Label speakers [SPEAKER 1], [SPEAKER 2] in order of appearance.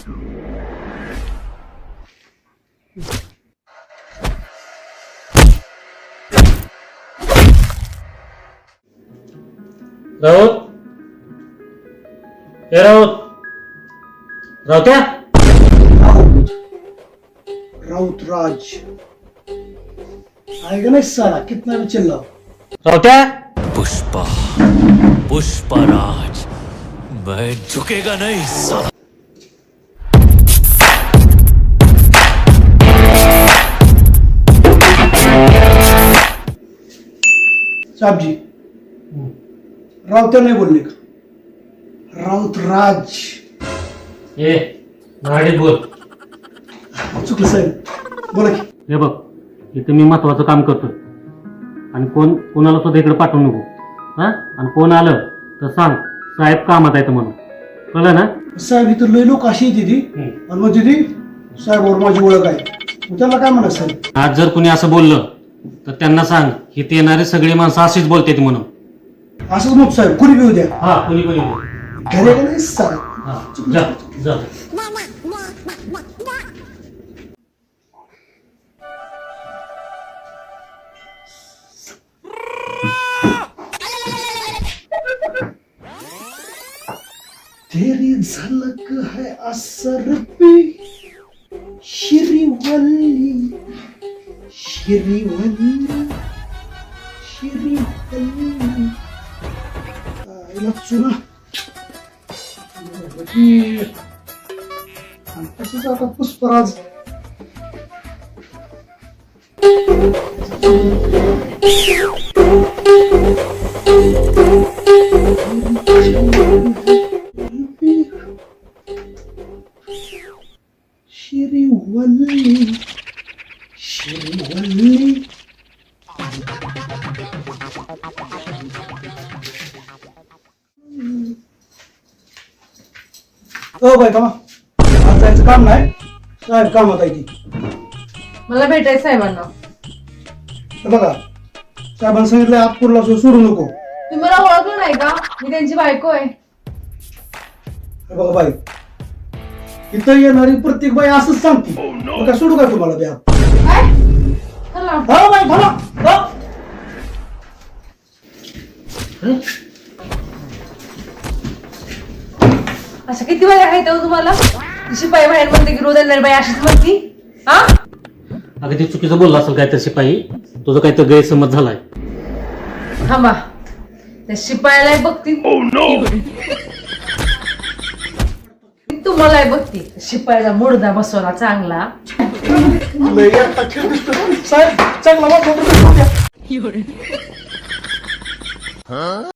[SPEAKER 1] राऊत हे राऊत राऊत्या
[SPEAKER 2] राउत राज आएगा ना इस साला कितना भी चिल्लाओ।
[SPEAKER 1] राऊत्या
[SPEAKER 3] पुष्पा पुष्पराज मैं झुकेगा नहीं साला।
[SPEAKER 2] साहब जी राउत नहीं बोलने का, राउत राज।
[SPEAKER 1] ए मराठीत बोल.
[SPEAKER 2] चुकलं साहेब, बोला की.
[SPEAKER 1] हे बघ इथे मी महत्वाचं काम करतोय आणि कोणाला सुद्धा इकडे पाठवू नको. हा आणि कोण आलं तर सांग साहेब कामात आहेत म्हणून, कळलं ना.
[SPEAKER 2] साहेब इथं लय लोक अशी येते ती आणि मग तिथे साहेबावर माझी ओळख आहे, मग त्याला काय म्हणा साहेब.
[SPEAKER 1] आज जर कुणी असं बोललं तर त्यांना सांग इथे येणारी सगळी माणसं अशीच बोलतात म्हणून.
[SPEAKER 2] असंच मग साहेब कुणी बी उद्या
[SPEAKER 1] हा कुणी
[SPEAKER 2] घरी का नाही साहेब.
[SPEAKER 1] जा जा.
[SPEAKER 2] तेरी झलक है असर पे श्रीवल्ली श्रीवल्ली श्रीवल्ली आईला चुना तसंच आता पुष्पराज. श्रीवल्ली श्रीवल्ली ओ बाय कामा आज जायचं काम नाही, साहेब कामात आहे ती.
[SPEAKER 4] मला भेटायचं साहेबांना.
[SPEAKER 2] हे बघा साहेबांनी सांगितलं आतपूरला सोडू नको.
[SPEAKER 4] तुम्ही मला ओळखलं नाही का? मी त्यांची बायको आहे.
[SPEAKER 2] हे बघा बाई, इथं येणारी प्रत्येक बाई असंच सांगते. मग काय सोडू काय तुम्हाला द्या.
[SPEAKER 4] काय? चला.
[SPEAKER 2] हा बाई बोला.
[SPEAKER 4] अशा किती बाई आहेत हो तुम्हाला? शिपाई बाहेर म्हणते की रोज येणारी बाई अशीच म्हणती. हा
[SPEAKER 1] अगं ते चुकीचं बोलला असेल काय तर शिपाई, तुझं काय तर गैरसमज झालाय.
[SPEAKER 4] थांबा, त्या शिपायाला बघती तुम्हाला बघती. शिपायाचा मुडदा बसवला चांगला.
[SPEAKER 2] लय एकटा खेळ दिसतो साहेब, चांगला वाटतो.